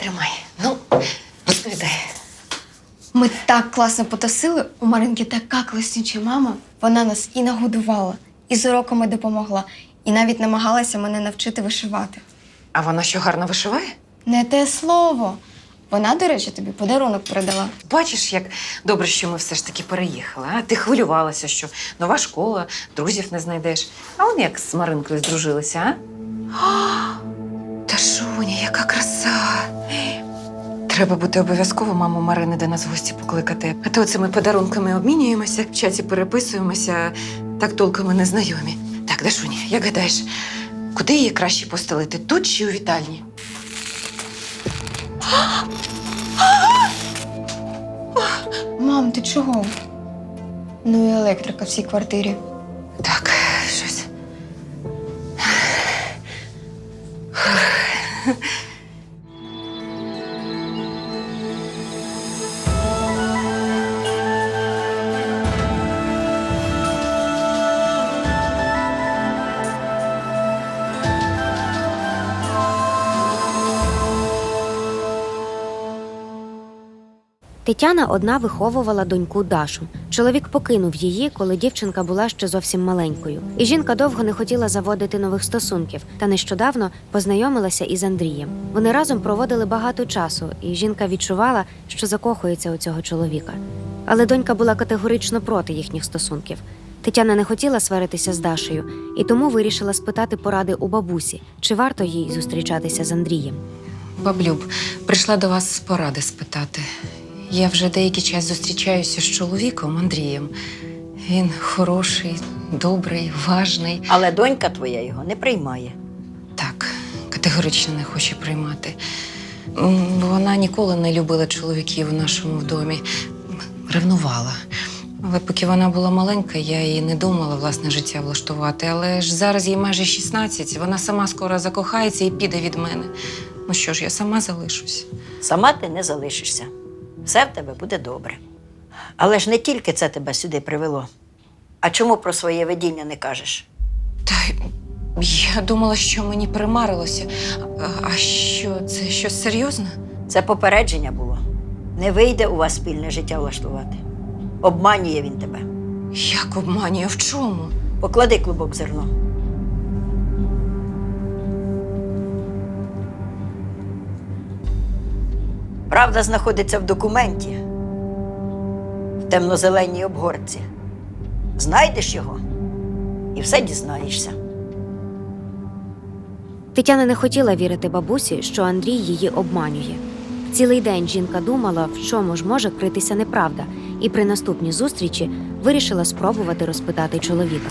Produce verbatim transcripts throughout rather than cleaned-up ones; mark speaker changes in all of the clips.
Speaker 1: Тримай. Ну, розповідай.
Speaker 2: Ми так класно потасили, у Маринки така класнюча мама. Вона нас і нагодувала, і з уроками допомогла, і навіть намагалася мене навчити вишивати.
Speaker 1: А вона що, гарно вишиває?
Speaker 2: Не те слово. Вона, до речі, тобі подарунок передала.
Speaker 1: Бачиш, як добре, що ми все ж таки переїхали. А? Ти хвилювалася, що нова школа, друзів не знайдеш. А вони як з Маринкою здружилися, а? А, та Шуня, яка краса! Треба буде обов'язково маму Марини до нас в гості покликати. А то цими подарунками обмінюємося, в чаті переписуємося, так толком і не знайомі. Так, Дашуня, як гадаєш, куди її краще постелити? Тут чи у вітальні?
Speaker 2: Мам, ти чого? Ну і електрика в цій квартирі.
Speaker 1: Так, щось.
Speaker 3: Тетяна одна виховувала доньку Дашу. Чоловік покинув її, коли дівчинка була ще зовсім маленькою. І жінка довго не хотіла заводити нових стосунків, та нещодавно познайомилася із Андрієм. Вони разом проводили багато часу, і жінка відчувала, що закохується у цього чоловіка. Але донька була категорично проти їхніх стосунків. Тетяна не хотіла сваритися з Дашею, і тому вирішила спитати поради у бабусі, чи варто їй зустрічатися з Андрієм.
Speaker 1: Баблюб, прийшла до вас поради спитати. Я вже деякий час зустрічаюся з чоловіком Андрієм. Він хороший, добрий, важний.
Speaker 4: Але донька твоя його не приймає.
Speaker 1: Так, категорично не хоче приймати. М, Вона ніколи не любила чоловіків у нашому домі. Ревнувала. Але поки вона була маленька, я її не думала власне життя влаштувати. Але ж зараз їй майже шістнадцять, вона сама скоро закохається і піде від мене. Ну що ж, я сама залишусь.
Speaker 4: Сама ти не залишишся. Все в тебе буде добре. Але ж не тільки це тебе сюди привело. А чому про своє видіння не кажеш?
Speaker 1: Та я думала, що мені примарилося. А, а що, це щось серйозне?
Speaker 4: Це попередження було. Не вийде у вас спільне життя влаштувати. Обманює він тебе.
Speaker 1: Як обманює? В чому?
Speaker 4: Поклади клубок зерно. Правда знаходиться в документі, в темно-зеленій обгортці. Знайдеш його і все дізнаєшся.
Speaker 3: Тетяна не хотіла вірити бабусі, що Андрій її обманює. Цілий день жінка думала, в чому ж може критися неправда, і при наступній зустрічі вирішила спробувати розпитати чоловіка.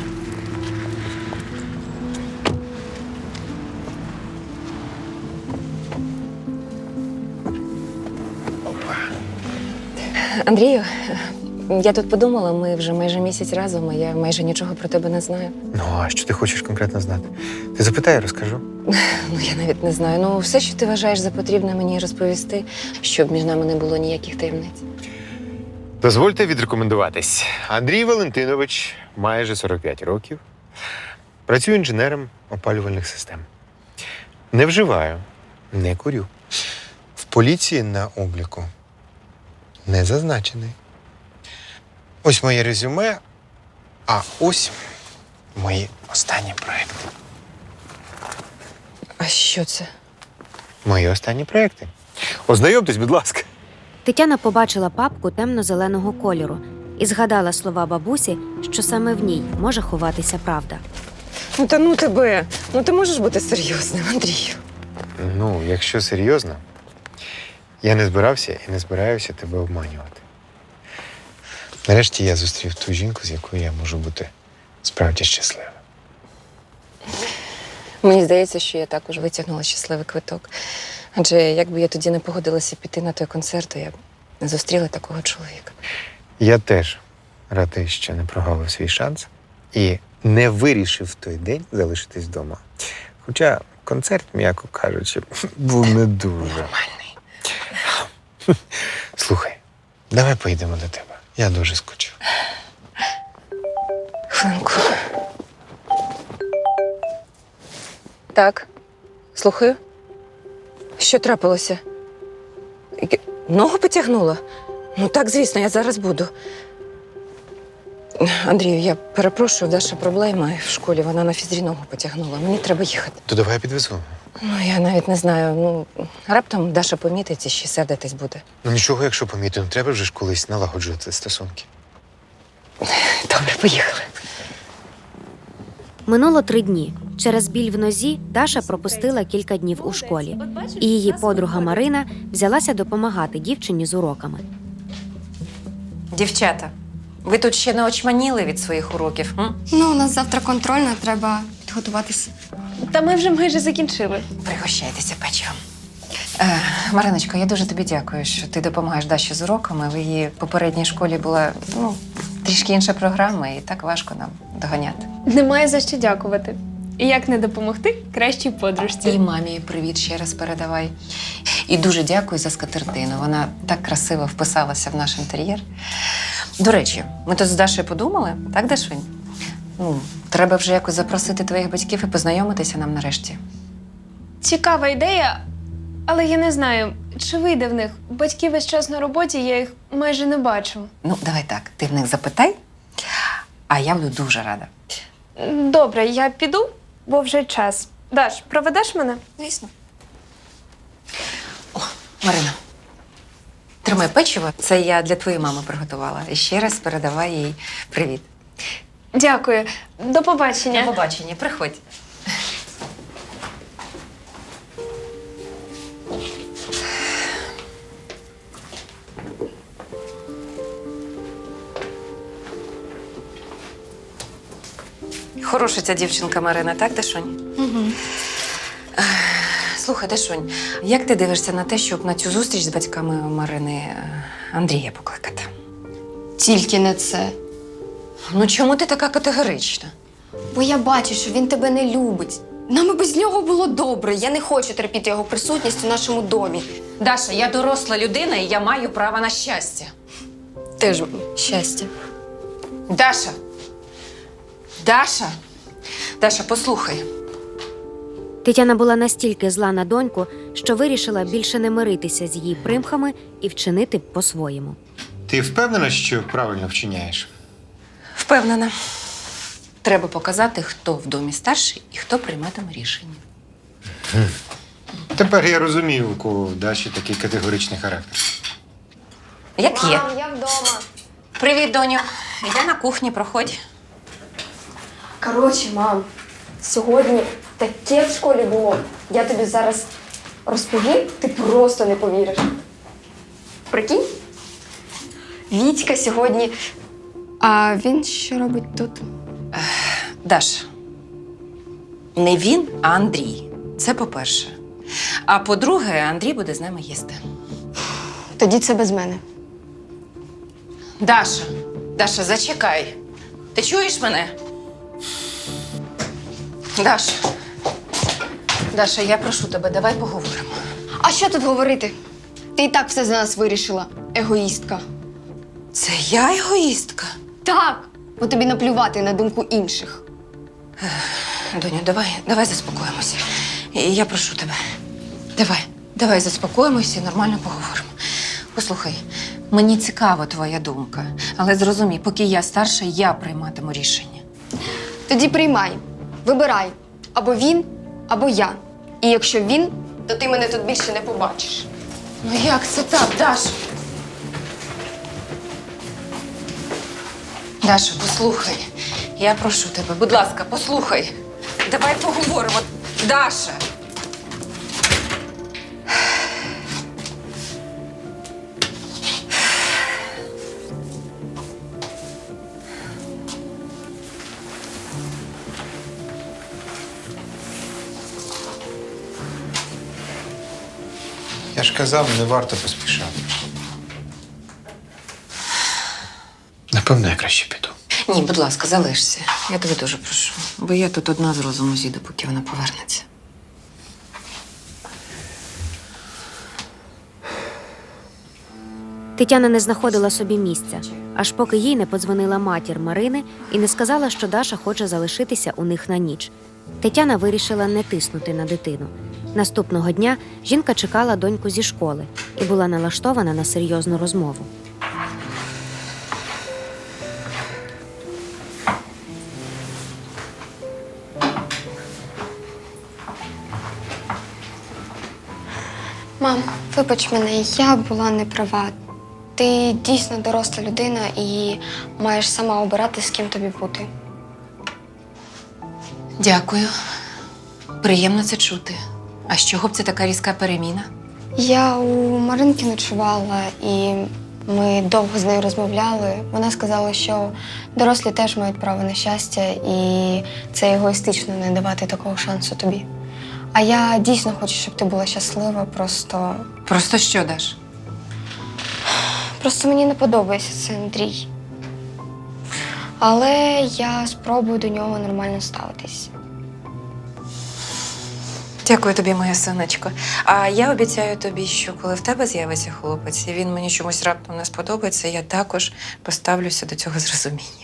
Speaker 1: Андрію, я тут подумала, ми вже майже місяць разом, а я майже нічого про тебе не знаю.
Speaker 5: Ну, а що ти хочеш конкретно знати? Ти запитай, я розкажу.
Speaker 1: Ну, я навіть не знаю. Ну, все, що ти вважаєш за потрібне мені розповісти, щоб між нами не було ніяких таємниць.
Speaker 5: Дозвольте відрекомендуватись. Андрій Валентинович, майже сорок п'ять років. Працюю інженером опалювальних систем. Не вживаю, не курю. В поліції на обліку не зазначений. Ось моє резюме, а ось мої останні проекти.
Speaker 1: А що це?
Speaker 5: Мої останні проекти. Ознайомтесь, будь ласка.
Speaker 3: Тетяна побачила папку темно-зеленого кольору і згадала слова бабусі, що саме в ній може ховатися правда.
Speaker 1: Ну, та ну тебе. Ну, ти можеш бути серйозним, Андрію.
Speaker 5: Ну, якщо серйозно, я не збирався і не збираюся тебе обманювати. Нарешті я зустрів ту жінку, з якою я можу бути справді щасливим.
Speaker 1: Мені здається, що я також витягнула щасливий квиток. Адже якби я тоді не погодилася піти на той концерт, то я б не зустріла такого чоловіка.
Speaker 5: Я теж радий, що не прогавив свій шанс і не вирішив в той день залишитись вдома. Хоча концерт, м'яко кажучи, був не дуже.
Speaker 1: Нормальний.
Speaker 5: Слухай, давай поїдемо до тебе. Я дуже скучив.
Speaker 1: Хвилинку. Так, слухаю. Що трапилося? Ногу потягнула? Ну так, звісно, я зараз буду. Андрію, я перепрошую, Даша проблема в школі. Вона на фізрі ногу потягнула. Мені треба їхати.
Speaker 5: То давай я підвезу.
Speaker 1: Ну, я навіть не знаю. Ну, раптом Даша помітить і ще сердитись буде.
Speaker 5: Ну нічого, якщо помітимо, треба вже ж колись налагоджувати стосунки.
Speaker 1: Добре, поїхали.
Speaker 3: Минуло три дні. Через біль в нозі Даша пропустила кілька днів у школі. І її подруга Марина взялася допомагати дівчині з уроками.
Speaker 1: Дівчата, ви тут ще не очманіли від своїх уроків? М?
Speaker 2: Ну, у нас завтра контрольна, треба підготуватися.
Speaker 6: Та ми вже майже закінчили.
Speaker 1: Пригощайтеся печивом. Е, Мариночко, я дуже тобі дякую, що ти допомагаєш Даші з уроками. В її попередній школі була ну, трішки інша програма, і так важко нам доганяти.
Speaker 6: Немає за що дякувати. І як не допомогти кращій подружці.
Speaker 1: І мамі привіт ще раз передавай. І дуже дякую за скатертину. Вона так красиво вписалася в наш інтер'єр. До речі, ми тут з Дашею подумали, так, Дашунь? Ну, треба вже якось запросити твоїх батьків і познайомитися нам нарешті.
Speaker 6: Цікава ідея, але я не знаю, чи вийде в них. Батьки весь час на роботі, я їх майже не бачу.
Speaker 1: Ну, давай так, ти в них запитай, а я буду дуже рада.
Speaker 6: Добре, я піду, бо вже час. Даш, проведеш мене?
Speaker 1: Звісно. О, Марина, тримай печиво. Це я для твоєї мами приготувала. І ще раз передавай їй привіт.
Speaker 6: Дякую. До побачення.
Speaker 1: До побачення, приходь. Хороша ця дівчинка Марина, так, Дашунь?
Speaker 2: Угу.
Speaker 1: Слухай, Дашунь, як ти дивишся на те, щоб на цю зустріч з батьками Марини е, Андрія покликати?
Speaker 2: Тільки не це.
Speaker 1: Ну чому ти така категорична?
Speaker 2: Бо я бачу, що він тебе не любить. Нам і без нього було добре. Я не хочу терпіти його присутність у нашому домі.
Speaker 1: Даша, я доросла людина і я маю право на щастя.
Speaker 2: Теж щастя.
Speaker 1: Даша! Даша! Даша, послухай.
Speaker 3: Тетяна була настільки зла на доньку, що вирішила більше не миритися з її примхами і вчинити по-своєму.
Speaker 5: Ти впевнена, що правильно вчиняєш?
Speaker 1: Впевнена. Треба показати, хто в домі старший і хто прийматиме рішення.
Speaker 5: Тепер я розумію, у кого в Даші такий категоричний характер.
Speaker 1: Як є.
Speaker 2: Мам, я вдома.
Speaker 1: Привіт, доню. Я на кухні, проходь.
Speaker 2: Коротше, мам, сьогодні таке в школі було. Я тобі зараз розповім, ти просто не повіриш. Прикинь? Вітька сьогодні. А він що робить тут?
Speaker 1: Даш, не він, а Андрій. Це по-перше. А по-друге, Андрій буде з нами їсти.
Speaker 2: Тоді це без мене.
Speaker 1: Даша, Даша, зачекай. Ти чуєш мене? Даша. Даша, я прошу тебе, давай поговоримо.
Speaker 2: А що тут говорити? Ти і так все за нас вирішила, егоїстка.
Speaker 1: Це я егоїстка?
Speaker 2: Так, бо тобі наплювати на думку інших.
Speaker 1: Доню, давай, давай заспокоїмося. І я прошу тебе. Давай, давай заспокоїмося і нормально поговоримо. Послухай, мені цікава твоя думка, але зрозумій, поки я старша, я прийматиму рішення.
Speaker 2: Тоді приймай, вибирай. Або він, або я. І якщо він, то ти мене тут більше не побачиш.
Speaker 1: Ну як це так, Даша? Даша, послухай. Я прошу тебе, будь ласка, послухай. Давай поговоримо. Даша!
Speaker 5: Я ж казав, не варто поспішати. Напевно, я краще піду.
Speaker 1: Ні, будь ласка, залишся. Я тебе дуже прошу. Бо я тут одна з розуму зійду, поки вона повернеться.
Speaker 3: Тетяна не знаходила собі місця, аж поки їй не подзвонила матір Марини і не сказала, що Даша хоче залишитися у них на ніч. Тетяна вирішила не тиснути на дитину. Наступного дня жінка чекала доньку зі школи і була налаштована на серйозну розмову.
Speaker 2: Мам, вибач мене, я була не права. Ти дійсно доросла людина і маєш сама обирати, з ким тобі бути.
Speaker 1: Дякую. Приємно це чути. А з чого б це така різка переміна?
Speaker 2: Я у Маринки ночувала, і ми довго з нею розмовляли. Вона сказала, що дорослі теж мають право на щастя, і це егоїстично не давати такого шансу тобі. А я дійсно хочу, щоб ти була щаслива, просто.
Speaker 1: Просто що, Даш?
Speaker 2: Просто мені не подобається цей Андрій. Але я спробую до нього нормально ставитись.
Speaker 1: Дякую тобі, моя сонечко. А я обіцяю тобі, що коли в тебе з'явиться хлопець, і він мені чомусь раптом не сподобається, я також поставлюся до цього з розумінням.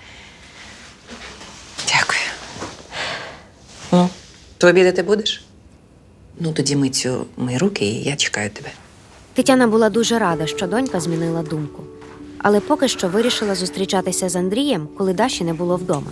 Speaker 1: Дякую. Ну, то обідати будеш? Ну, тоді мий цю мий руки, і я чекаю тебе.
Speaker 3: Тетяна була дуже рада, що донька змінила думку. Але поки що вирішила зустрічатися з Андрієм, коли Даші не було вдома.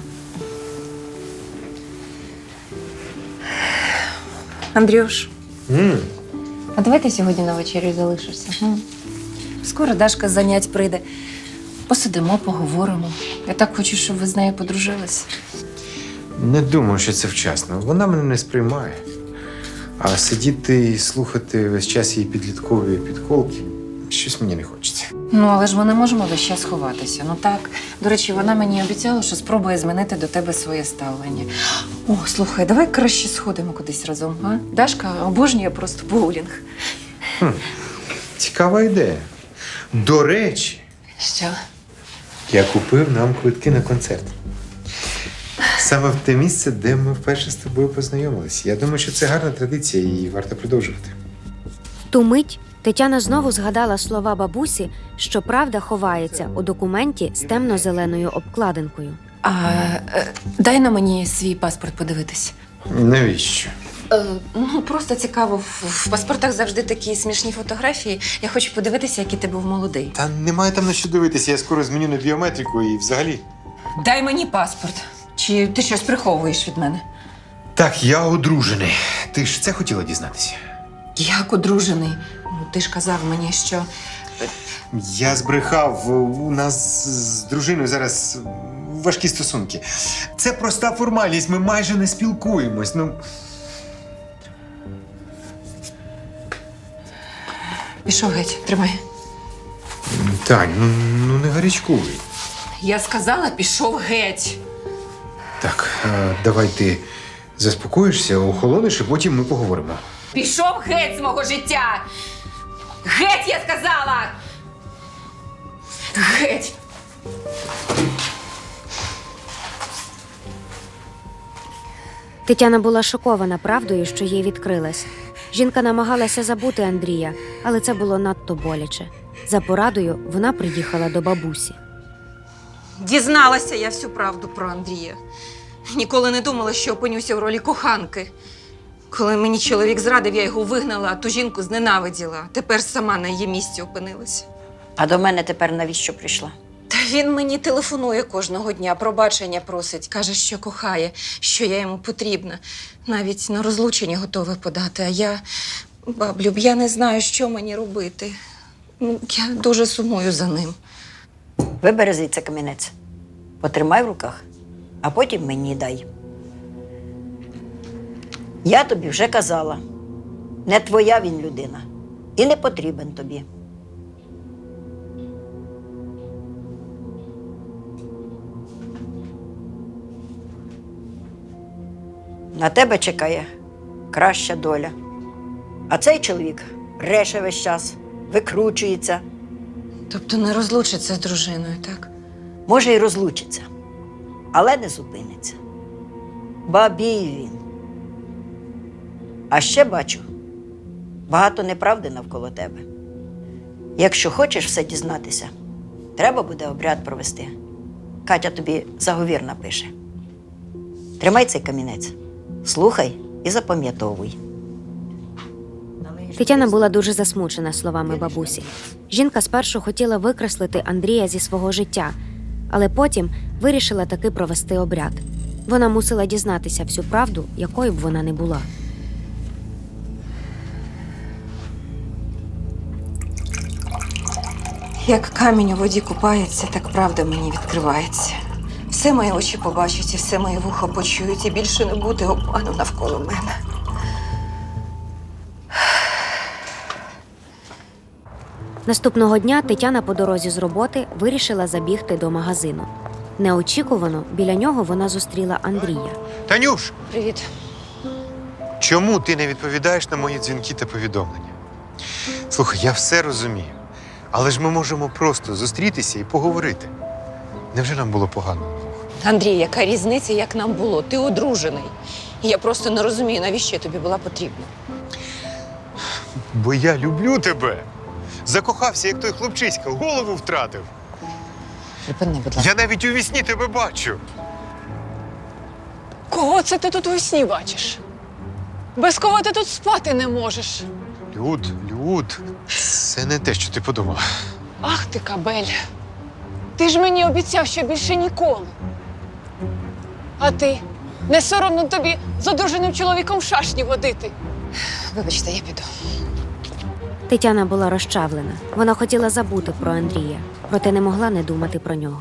Speaker 1: Андрюш,
Speaker 5: М,
Speaker 1: а давай ти сьогодні на вечерю залишишся? М? Скоро Дашка з занять прийде. Посидимо, поговоримо. Я так хочу, щоб ви з нею подружилися.
Speaker 5: Не думаю, що це вчасно. Вона мене не сприймає. А сидіти і слухати весь час її підліткові підколки щось мені не хочеться.
Speaker 1: Ну, але ж ми не можемо весь час ховатися. Ну так. До речі, вона мені обіцяла, що спробує змінити до тебе своє ставлення. О, слухай, давай краще сходимо кудись разом, а? Дашка обожнює просто боулінг.
Speaker 5: Цікава ідея. До речі,
Speaker 1: Що?
Speaker 5: я купив нам квитки на концерт. Саме в те місце, де ми вперше з тобою познайомилися. Я думаю, що це гарна традиція і її варто продовжувати.
Speaker 3: В ту мить Тетяна знову згадала слова бабусі, що правда ховається у документі з темно-зеленою обкладинкою.
Speaker 1: А е, дай на мені свій паспорт подивитись.
Speaker 5: Навіщо?
Speaker 1: Е, ну, просто цікаво. В, в паспортах завжди такі смішні фотографії. Я хочу подивитися, який ти був молодий.
Speaker 5: Та немає там на що дивитися, я скоро зміню на біометрику і взагалі.
Speaker 1: Дай мені паспорт. Чи ти щось приховуєш від мене?
Speaker 5: Так, я одружений. Ти ж це хотіла дізнатися?
Speaker 1: Як одружений? Ну, ти ж казав мені, що.
Speaker 5: Я збрехав. У нас з дружиною зараз важкі стосунки. Це проста формальність, ми майже не спілкуємось. Ну,
Speaker 1: Пішов геть, тримай.
Speaker 5: Тань, ну, ну не гарячкуй.
Speaker 1: Я сказала, пішов геть.
Speaker 5: Так, е, давай ти заспокоїшся, охолониш, і потім ми поговоримо.
Speaker 1: Пішов геть з мого життя! Геть, я сказала! Геть!
Speaker 3: Тетяна була шокована правдою, що їй відкрилась. Жінка намагалася забути Андрія, але це було надто боляче. За порадою вона приїхала до бабусі.
Speaker 1: Дізналася я всю правду про Андрія. Ніколи не думала, що опинюся в ролі коханки. Коли мені чоловік зрадив, я його вигнала, а ту жінку зненавиділа. Тепер сама на її місці опинилася.
Speaker 4: А до мене тепер навіщо прийшла?
Speaker 1: Та він мені телефонує кожного дня, пробачення просить. Каже, що кохає, що я йому потрібна. Навіть на розлучення готовий подати. А я, баблюб, я не знаю, що мені робити. Ну, я дуже сумую за ним.
Speaker 4: Вибери звідси камінець, потримай в руках, а потім мені дай. Я тобі вже казала, не твоя він людина і не потрібен тобі. На тебе чекає краща доля. А цей чоловік бреше весь час, викручується.
Speaker 1: Тобто не розлучиться з дружиною, так?
Speaker 4: Може, й розлучиться, але не зупиниться. Бабій він. А ще бачу, багато неправди навколо тебе. Якщо хочеш все дізнатися, треба буде обряд провести. Катя тобі заговір напише. Тримай цей камінець. Слухай і запам'ятовуй.
Speaker 3: Тетяна була дуже засмучена словами бабусі. Жінка спершу хотіла викреслити Андрія зі свого життя, але потім вирішила таки провести обряд. Вона мусила дізнатися всю правду, якою б вона не була.
Speaker 1: Як камінь у воді купається, так правда мені відкривається. Все мої очі побачать, і все моє вухо почують, і більше не буде обману навколо мене.
Speaker 3: Наступного дня Тетяна по дорозі з роботи вирішила забігти до магазину. Неочікувано біля нього вона зустріла Андрія.
Speaker 5: Танюш,
Speaker 1: Привіт.
Speaker 5: чому ти не відповідаєш на мої дзвінки та повідомлення? Слухай, я все розумію. Але ж ми можемо просто зустрітися і поговорити. Невже нам було погано?
Speaker 1: Андрій, яка різниця, як нам було? Ти одружений. І я просто не розумію, навіщо я тобі була потрібна.
Speaker 5: Бо я люблю тебе. Закохався, як той хлопчиська, голову втратив.
Speaker 1: Припини, будь ласка.
Speaker 5: Я навіть у вісні тебе бачу.
Speaker 7: Кого це ти тут весні бачиш? Без кого ти тут спати не можеш?
Speaker 5: Люд, Люд, це не те, що ти подумала.
Speaker 7: Ах ти, кабель. Ти ж мені обіцяв, що більше ніколи. А ти? Не соромно тобі з одруженим чоловіком в шашні водити.
Speaker 1: Вибачте, я піду.
Speaker 3: Тетяна була розчавлена. Вона хотіла забути про Андрія, проте не могла не думати про нього.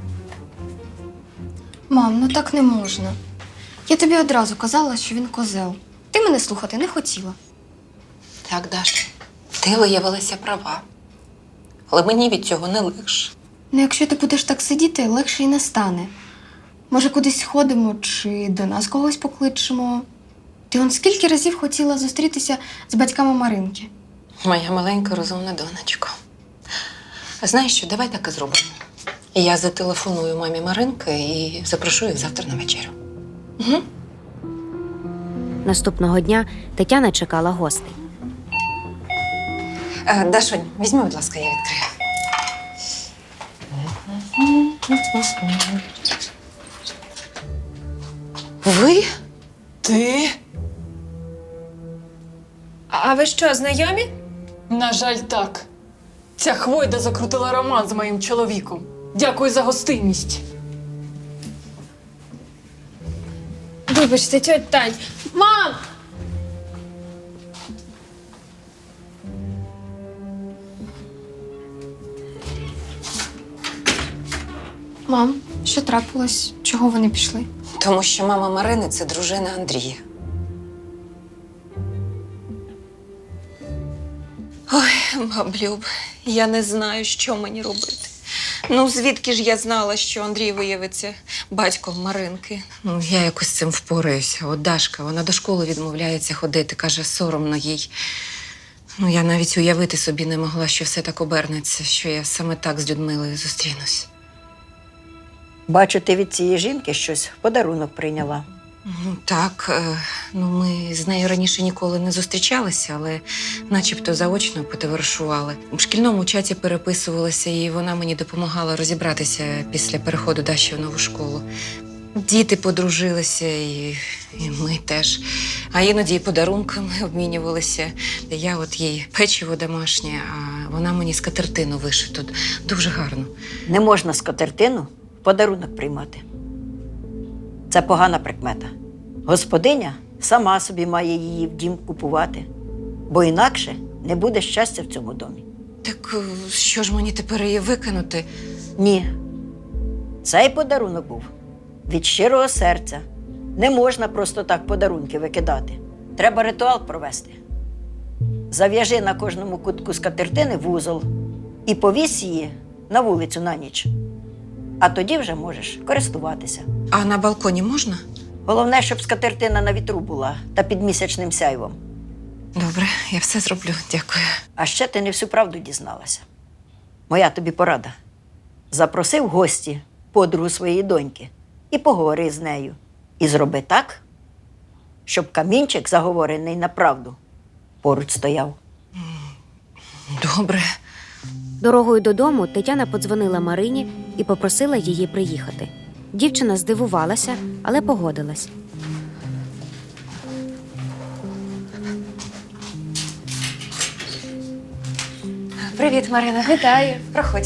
Speaker 2: Мам, ну так не можна. Я тобі одразу казала, що він козел. Ти мене слухати не хотіла.
Speaker 1: Так, Даша, ти виявилася права. Але мені від цього не легше.
Speaker 2: Ну, якщо ти будеш так сидіти, легше й не стане. Може, кудись сходимо чи до нас когось покличемо. Ти он скільки разів хотіла зустрітися з батьками Маринки?
Speaker 1: Моя маленька розумна донечко. А знаєш що, давай так і зробимо. Я зателефоную мамі Маринки і запрошу їх завтра на вечерю. Угу.
Speaker 3: Наступного дня Тетяна чекала гостей.
Speaker 1: Е, Дашонь, візьми, будь ласка, я відкрию. Ви?
Speaker 7: Ти?
Speaker 6: А ви що, знайомі?
Speaker 7: На жаль, так. Ця хвойда закрутила роман з моїм чоловіком. Дякую за гостинність.
Speaker 6: Вибачте, тьоть Тань. Мам!
Speaker 2: Мам, що трапилось? Чого вони пішли?
Speaker 1: Тому що мама Марини – це дружина Андрія. Ой, баблюб, я не знаю, що мені робити. Ну, звідки ж я знала, що Андрій виявиться батьком Маринки? Ну, я якось з цим впораюся. От Дашка, вона до школи відмовляється ходити, каже, соромно їй. Ну, я навіть уявити собі не могла, що все так обернеться, що я саме так з Людмилою зустрінусь.
Speaker 4: Бачу, ти від цієї жінки щось в подарунок прийняла.
Speaker 1: Ну, так, е, ну ми з нею раніше ніколи не зустрічалися, але начебто заочно потоваришували. У шкільному чаті переписувалися, і вона мені допомагала розібратися після переходу Даші в нову школу. Діти подружилися, і, і ми теж. А іноді і подарунками обмінювалися. Я от їй печиво домашнє, а вона мені скатертину вишиту. Дуже гарно.
Speaker 4: Не можна скатертину в подарунок приймати. Це погана прикмета. Господиня сама собі має її в дім купувати, бо інакше не буде щастя в цьому домі.
Speaker 1: Так е, що ж мені тепер її викинути?
Speaker 4: Ні. Цей подарунок був від щирого серця. Не можна просто так подарунки викидати. Треба ритуал провести. Зав'яжи на кожному кутку скатертини вузол і повісь її на вулицю на ніч. А тоді вже можеш користуватися.
Speaker 1: А на балконі можна?
Speaker 4: Головне, щоб скатертина на вітру була та під місячним сяйвом.
Speaker 1: Добре, я все зроблю. Дякую.
Speaker 4: А ще ти не всю правду дізналася. Моя тобі порада. Запроси в гості подругу своєї доньки і поговори з нею. І зроби так, щоб камінчик, заговорений на правду, поруч стояв.
Speaker 1: Добре.
Speaker 3: Дорогою додому Тетяна подзвонила Марині і попросила її приїхати. Дівчина здивувалася, але погодилась.
Speaker 1: Привіт, Марина.
Speaker 6: Вітаю.
Speaker 1: Проходь.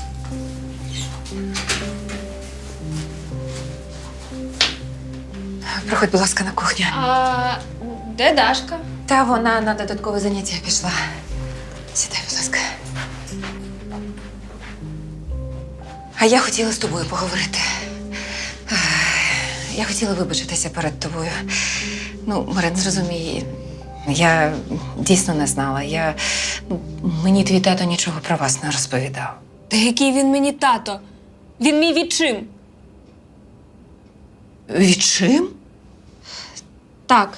Speaker 1: Проходь, будь ласка, на кухню.
Speaker 6: А де Дашка?
Speaker 1: Та вона на додаткове заняття пішла. Сідай, будь ласка. А я хотіла з тобою поговорити. Ех, Я хотіла вибачитися перед тобою. Ну, Марин, зрозумій, я дійсно не знала. Я... ну, мені твій тато нічого про вас не розповідав.
Speaker 6: Та який він мені тато? Він мій відчим.
Speaker 1: Відчим?
Speaker 6: Так.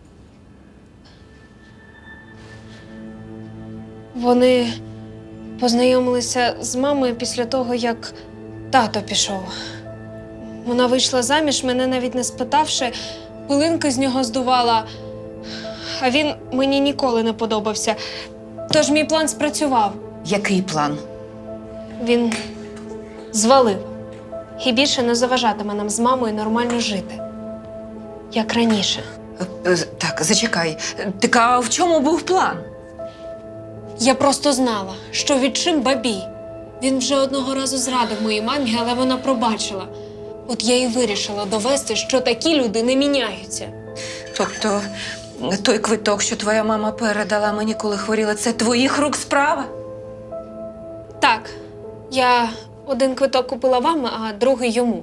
Speaker 6: Вони познайомилися з мамою після того, як тато пішов. Вона вийшла заміж, мене навіть не спитавши, пилинки з нього здувала. А він мені ніколи не подобався. Тож мій план спрацював.
Speaker 1: Який план?
Speaker 6: Він звалив. І більше не заважатиме нам з мамою нормально жити. Як раніше.
Speaker 1: Е, е, Так, зачекай. Так, а в чому був план?
Speaker 6: Я просто знала, що відчим бабій. Він вже одного разу зрадив моїй мамі, але вона пробачила. От я і вирішила довести, що такі люди не міняються.
Speaker 1: Тобто, той квиток, що твоя мама передала мені, коли хворіла, це твоїх рук справа?
Speaker 6: Так, я один квиток купила вам, а другий йому.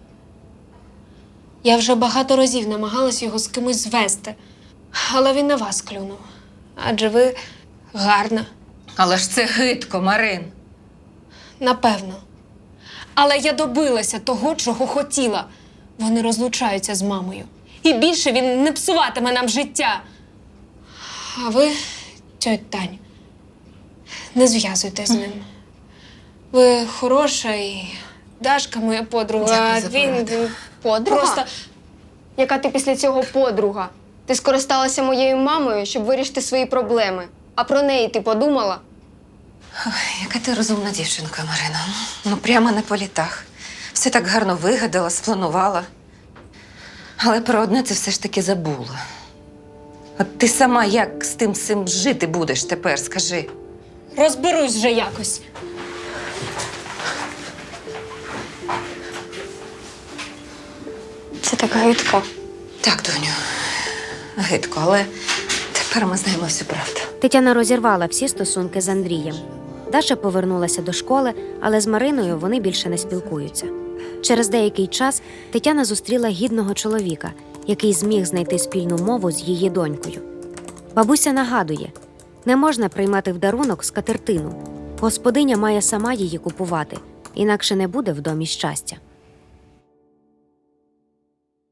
Speaker 6: Я вже багато разів намагалась його з кимось звести, але він на вас клюнув. Адже ви гарна.
Speaker 1: Але ж це гидко, Марин.
Speaker 6: Напевно. Але я добилася того, чого хотіла. Вони розлучаються з мамою. І більше він не псуватиме нам життя. А ви, тьоть Тань, не зв'язуйтесь з ним. Ви хороша і Дашка моя подруга,
Speaker 1: Дякую
Speaker 6: а
Speaker 1: за
Speaker 6: він,
Speaker 1: пораду.
Speaker 6: він
Speaker 2: Подруга?
Speaker 6: просто...
Speaker 2: Яка ти після цього подруга? Ти скористалася моєю мамою, щоб вирішити свої проблеми. А про неї ти подумала?
Speaker 1: Яка ти розумна дівчинка, Марина. Ну, прямо не по літах. Все так гарно вигадала, спланувала. Але про одне це все ж таки забула. От ти сама як з тим цим жити будеш тепер, скажи?
Speaker 6: Розберусь вже якось.
Speaker 2: Це так гидко.
Speaker 1: Так, доню, гидко, але тепер ми знаємо всю правду.
Speaker 3: Тетяна розірвала всі стосунки з Андрієм. Даша повернулася до школи, але з Мариною вони більше не спілкуються. Через деякий час Тетяна зустріла гідного чоловіка, який зміг знайти спільну мову з її донькою. Бабуся нагадує, не можна приймати в дарунок скатертину. Господиня має сама її купувати, інакше не буде в домі щастя.